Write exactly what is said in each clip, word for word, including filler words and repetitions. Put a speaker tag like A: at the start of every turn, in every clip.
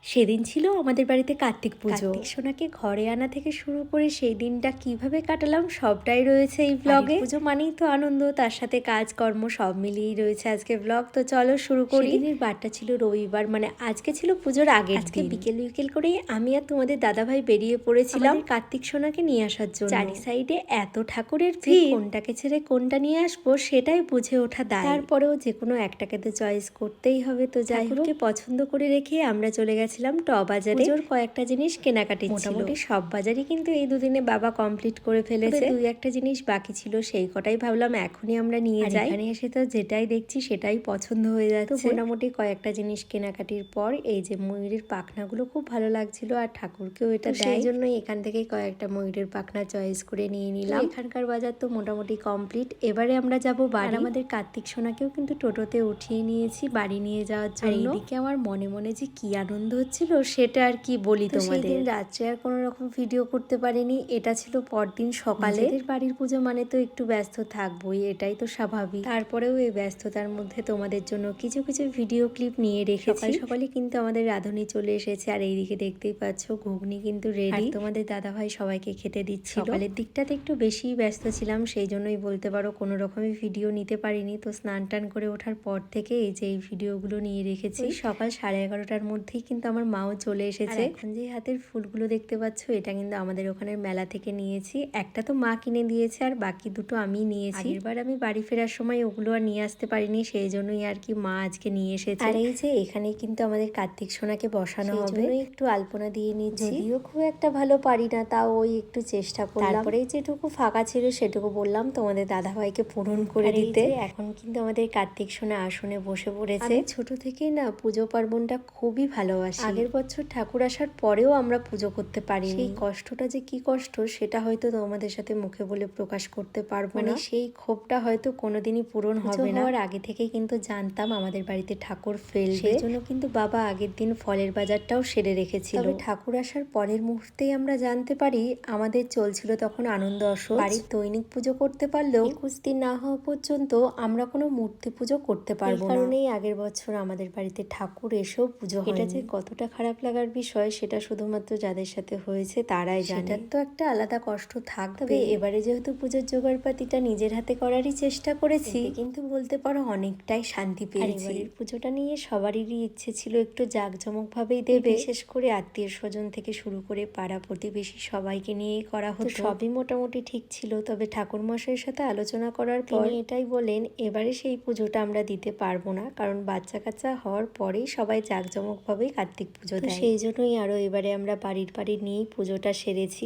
A: সেদিন ছিল আমাদের বাড়িতে কার্তিক পুজো। কার্তিক সোনাকে ঘরে আনা থেকে শুরু করে সেই দিনটা কিভাবে কাটালাম সবটাই রয়েছে এই ব্লগে। পুজো মানেই তো আনন্দ, তার সাথে কাজকর্ম সব মিলিয়েই রয়েছে আজকে ব্লগ। তো চলো শুরু করি। সেদিনের বারটা ছিল রবিবার, মানে আজকে ছিল পুজোর আগের দিন। বিকেল বিকেল করেই আমি আর তোমাদের দাদাভাই বেরিয়ে পড়েছিলাম কার্তিক সোনাকে নিয়ে আসার জন্য। চারি সাইডে এত ঠাকুরের ভিড়, কোনটাকে ছেড়ে কোনটা নিয়ে আসবো সেটাই বুঝে ওঠা দায়। তারপরেও যে কোনো একটাকে তো চয়েস করতেই হবে। তো যাই হোক, পছন্দ করে রেখে আমরা চলে গেছিলাম ট বাজারে। পুজোর কয়েকটা জিনিস কেনাকাটি ছিল। মোটামুটি সব বাজারই কিন্তু এই দুদিনে বাবা কমপ্লিট করে ফেলেছে। দুই একটা জিনিস বাকি ছিল, সেই কটাই ভাবলাম এখনই আমরা নিয়ে যাই। এখানে এসে তো যেটাই দেখছি সেটাই পছন্দ হয়ে যাচ্ছে। মোটামুটি কয়েকটা জিনিস কেনাকাটির পর এই যে ময়ূরের পাখনাগুলো খুব ভালো লাগছিল, আর ঠাকুরকেও এটা দেয়, সেই জন্যই এখান থেকে কয়েকটা ময়ূরের পাখনা চয়েস করে নিয়ে নিলাম। এখানকার বাজার তো মোটামুটি কমপ্লিট। এবারে আমরা যাব বাড়ি। আমাদের কার্তিক সোনাকেও কিন্তু টোটোতে উঠিয়ে নিয়েছি বাড়ি নিয়ে যাওয়ার জন্য। এইদিকে আমার মনে মনে যে কি আনন্দ হচ্ছিল সেটা আর কি বলি তোমাদের। রাত্রে আর কোনো রকম ভিডিও করতে পারিনি, এটা ছিল পরদিন সকালে। বাড়ির পুজো মানে তো একটু ব্যস্ত থাকবোই, এটাই তো স্বাভাবিক। তারপরেও এই ব্যস্ততার মধ্যে তোমাদের জন্য কিছু কিছু ভিডিও ক্লিপ নিয়ে রেখেছি। সকাল সকালে কিন্তু আমাদের রাঁধুনি চলে এসেছে, আর এইদিকে দেখতেই পাচ্ছ ঘুগনি কিন্তু রেডি। তোমাদের দাদা ভাই সবাইকে খেতে দিচ্ছিল। সকালের দিকটাতে একটু বেশি ব্যস্ত ছিলাম, সেই জন্যই বলতে পারো কোনো রকমের ভিডিও নিতে পারিনি। তো স্নান টান করে ওঠার পর থেকে এই যে এই ভিডিওগুলো নিয়ে রেখেছি। সকাল সাড়ে এগারোটার মধ্যেই কিন্তু আমার মাও চলে এসেছে। এখন যে হাতের ফুলগুলো দেখতে পাচ্ছ এটা কিন্তু আমাদের ওখানের মেলা থেকে নিয়েছি। একটা তো মা কিনে দিয়েছে, আর বাকি দুটো আমি নিয়েছি। এবার আমি বাড়ি ফেরার সময় ওগুলো আর নিয়ে আসতে পারিনি, সেই জন্যই আর কি মা আজকে নিয়ে এসেছে। আর এই যে এখানেই কিন্তু আমাদের কার্তিক সোনাকে বসানো হবে, একটু আলপনা দিয়ে নিচ্ছি। যদিও খুব একটা ভালো পারি না, তাও ওই একটু চেষ্টা করলাম। তারপরে যেটুকু ফাঁকা ছিল সেটুকু বললাম তোমাদের দাদা ভাইকে পূরণ করে দিতে। এখন কিন্তু আমাদের কার্তিক সোনা আসনে বসে পড়েছে। ছোট থেকেই না পুজো পার্বণটা খুবই ভালোবাসি। আগের বছর ঠাকুর আসার পরেও আমরা পুজো করতে পারি। সেই কষ্টটা যে কি কষ্ট সেটা হয়তো তোমাদের সাথে মুখে বলে প্রকাশ করতে পারবো না। সেই ক্ষোভটা হয়তো কোনোদিনই পূরণ হবে না। আর আগে থেকেই কিন্তু জানতাম আমাদের বাড়িতে ঠাকুর ফেলবে, সেই জন্য কিন্তু বাবা আগের দিন ফলের বাজারটাও সেরে রেখেছিল। তবে ঠাকুর আসার পরের মুহূর্তেই আমরা জানতে পারি আমাদের চলছিল তখন আনন্দ আসর। বাড়ির দৈনিক পুজো করতে পারলেও একুশ দিন না হওয়া পর্যন্ত আমরা কোনো মূর্তি পুজো করতে পারবো না। কারণেই আগের বছর আমাদের বাড়িতে ঠাকুর এসেও পুজো হয়। এটা যে কতটা খারাপ লাগার বিষয় সেটা শুধুমাত্র যাদের সাথে হয়েছে তারাই জানে। সেটার তো একটা আলাদা কষ্ট থাকবে। এবারে যেহেতু পুজোর জোগাড়পাতিটা নিজের হাতে করারই চেষ্টা করেছি, কিন্তু বলতে পারো অনেকটাই শান্তি পেয়েছি। এবারের পুজোটা নিয়ে সবারই ইচ্ছে ছিল একটু জাঁকজমক ভাবেই দেবে, বিশেষ করে আত্মীয় স্বজন থেকে শুরু করে পাড়া প্রতিবেশী সবাইকে নিয়েই করা হতো। সবই মোটামুটি ঠিক ছিল, তবে ঠাকুর মশাইয়ের সাথে আলোচনা করার পর এটাই বলেন এবারে সেই পুজোটা আমরা দিতে পারবো না, কারণ বাচ্চা কাচ্চা হওয়ার পরেই সবাই জাঁকজমক ভাবেই কার্তিক পুজো দেয়। সেই জন্যই আরো এবারে আমরা বাড়ির বাড়ি নিয়েই পুজোটা সেরেছি।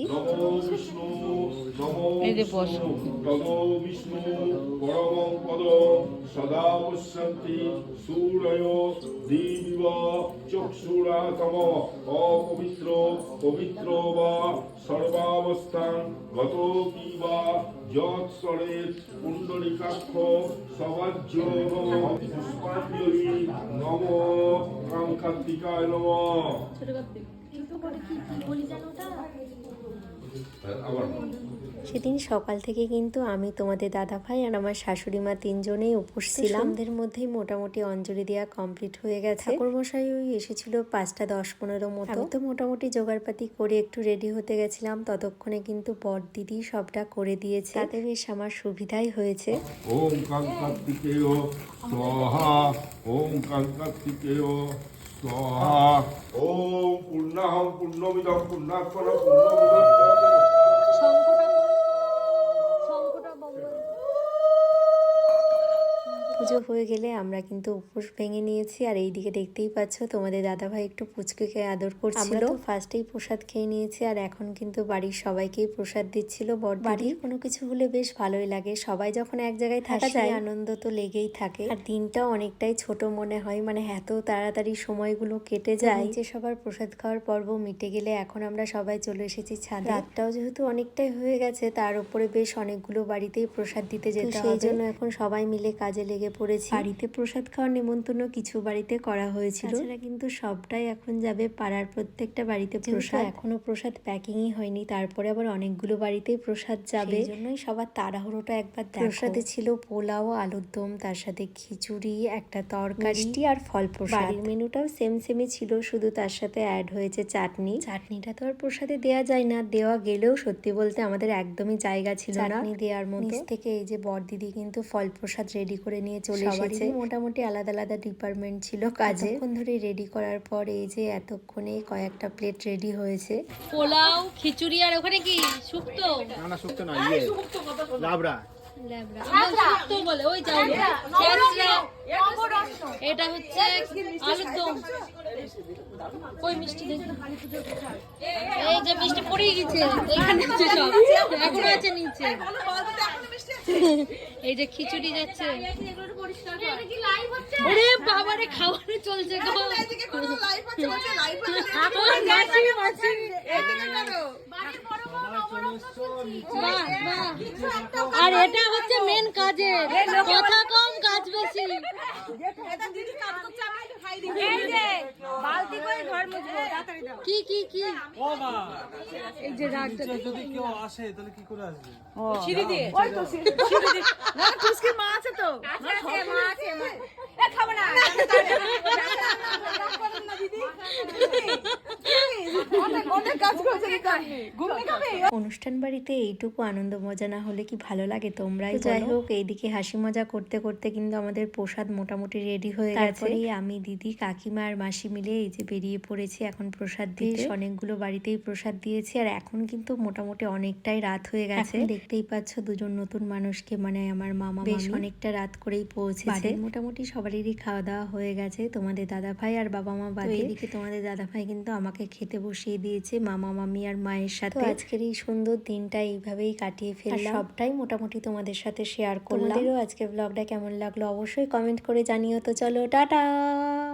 B: অপবিত্র পবিত্র বা সর্বাবস্থান গত কি বা যৎসরের পুণ্ডরিকাক্ষ সবাজ্য পুষ্পাঞ্জলি নম কাঙ্কাত্তিকায় নম।
A: সেদিন সকাল থেকে কিন্তু আমি, তোমাদের দাদা ভাই আর আমার শাশুড়ি মা তিনজনেই উপোস ছিলাম। সন্ধ্যের মধ্যেই মোটামুটি অঞ্জলি দেওয়া কমপ্লিট হয়ে গেছে। ঠাকুরমশাই ওই এসেছিল পাঁচটা দশ পনেরো মতো। আমি তো মোটামুটি জোগাড়পাতি করে একটু রেডি হতে গেছিলাম, ততক্ষণে কিন্তু বর দিদি সবটা করে দিয়েছে। তাতে বেশ আমার সুবিধাই হয়েছে।
B: ওম কাঙ্কাত্তিকেয় স্বাহা, ওম কাঙ্কাত্তিকেয় স্বাহা, ওম পূর্ণাহং পূর্ণমিদং পূর্ণাৎপরঃ পূর্ণমুদচ্যতে।
A: পুজো হয়ে গেলে আমরা কিন্তু উপোস ভেঙে নিয়েছি। আর এইদিকে দেখতেই পাচ্ছ তোমাদের দাদাভাই একটু পুচকুকে আদর করছিল। আমরা তো ফার্স্টেই প্রসাদ খেয়ে নিয়েছি, আর এখন কিন্তু বাড়ির সবাইকেই প্রসাদ দিচ্ছিল বড়। বাড়ির কোনো কিছু হলে বেশ ভালোই লাগে, সবাই যখন এক জায়গায় থাকা যায় আনন্দ তো লেগেই থাকে। আর দিনটাও অনেকটাই ছোট মনে হয়, মানে এত তাড়াতাড়ি সময়গুলো কেটে যায়। যে সবার প্রসাদ খাওয়ার পর্ব মিটে গেলে এখন আমরা সবাই চলে এসেছি ছাদে। রাতটাও যেহেতু অনেকটাই হয়ে গেছে, তার উপরে বেশ অনেকগুলো বাড়িতেই প্রসাদ দিতে যেতে হবে, সেই জন্য এখন সবাই মিলে কাজে লেগে পড়েছি। বাড়িতে প্রসাদ খাওয়ার নেমন্তন্ন কিছু বাড়িতে করা হয়েছিল, তাছাড়া কিন্তু সবটাই এখন যাবে পাড়ার প্রত্যেকটা বাড়িতে প্রসাদ। এখনো প্রসাদ প্যাকিংই হয়নি, তারপরে আবার অনেকগুলো বাড়িতেই প্রসাদ যাবে, সেই জন্যই সবার তাড়াহুড়োটা একবার। প্রসাদে ছিল পোলাও, আলুর দম, তার সাথে খিচুড়ি, একটা তরকারি আর ফল প্রসাদ। বাড়ির মেনুটাও সেম সেমই ছিল, শুধু তার সাথে অ্যাড হয়েছে চাটনি। চাটনিটা তো আর প্রসাদে দেওয়া যায় না, দেওয়া গেলেও সত্যি বলতে আমাদের একদমই জায়গা ছিল না চাটনি দেওয়ার মতো। নিচ থেকে এই যে বড়দিদি কিন্তু ফল প্রসাদ রেডি করে নিয়ে চলে এসেছে। মোটামুটি আলাদা আলাদা ডিপার্টমেন্ট ছিল কাজে। এতক্ষণ ধরে রেডি করার পর এই যে এতক্ষণে কয়েকটা প্লেট রেডি হয়েছে।
C: পোলাও, খিচুড়ি আর ওখানে কি শুক্তো?
D: না না শুক্তো না, ইয়ে লাবড়া।
C: শুক্তো বলে ওই চাউল। এটা হচ্ছে আলুর দম। ওই মিষ্টি দেখি, এই যে মিষ্টি পড়ে গেছে এখানে আছে, সব এখনো আছে নিচে। এই যে খিচুড়ি যাচ্ছে। ওরে বাবারে, খাওয়ানো চলছে গো। আর এটা হচ্ছে মেন কাজের, কথা কম কাজ বেশি। কি কি কি
D: ও মা,
C: এই যে রাখতে
D: যদি কেউ আসে তাহলে কি করে আসবে?
C: সিঁড়ি দিয়ে, ওই তো সিঁড়ি দিয়ে। না টুসকি মা আছে তো, মা আছে, মা এ খাবে না দিদি। অনেক অনেক কাজ করছে কি ঘুমনি খাবে।
A: অনুষ্ঠান বাড়িতে এইটুকু আনন্দ মজা না হলে কি ভালো লাগে তোমরাই বলো। যাই হোক, এইদিকে হাসি মজা করতে করতে কিন্তু আমাদের প্রসাদ মোটামুটি রেডি হয়ে গেছে। তারপরে আমি, দিদি, কাকিমা আর মাসি মিলে এই যে বেরিয়ে পড়েছি এখন প্রসাদ দিতে। অনেকগুলো বাড়িতেই প্রসাদ দিয়েছি আর এখন কিন্তু মোটামুটি অনেকটাই রাত হয়ে গেছে। দেখতেই পাচ্ছ দুজন নতুন মানুষকে, মানে আমার মামা বেশ অনেকটা রাত করেই পৌঁছেছে। মোটামুটি সবারই খাওয়া দাওয়া হয়ে গেছে, তোমাদের দাদা ভাই আর বাবা মা বাদে। এদিকে তোমাদের দাদা ভাই কিন্তু আমাকে খেতে বসিয়ে দিয়েছে মামা মামি আর মায়ের সাথে। আজকের এই সুন্দর দিনটা এইভাবেই কাটিয়ে ফেললাম, সবটাই মোটামুটি তোমাদের সাথে শেয়ার করলাম। তোমাদেরও আজকে ব্লগটা কেমন লাগলো অবশ্যই কমেন্ট করে জানিও। তো চলো টাটা।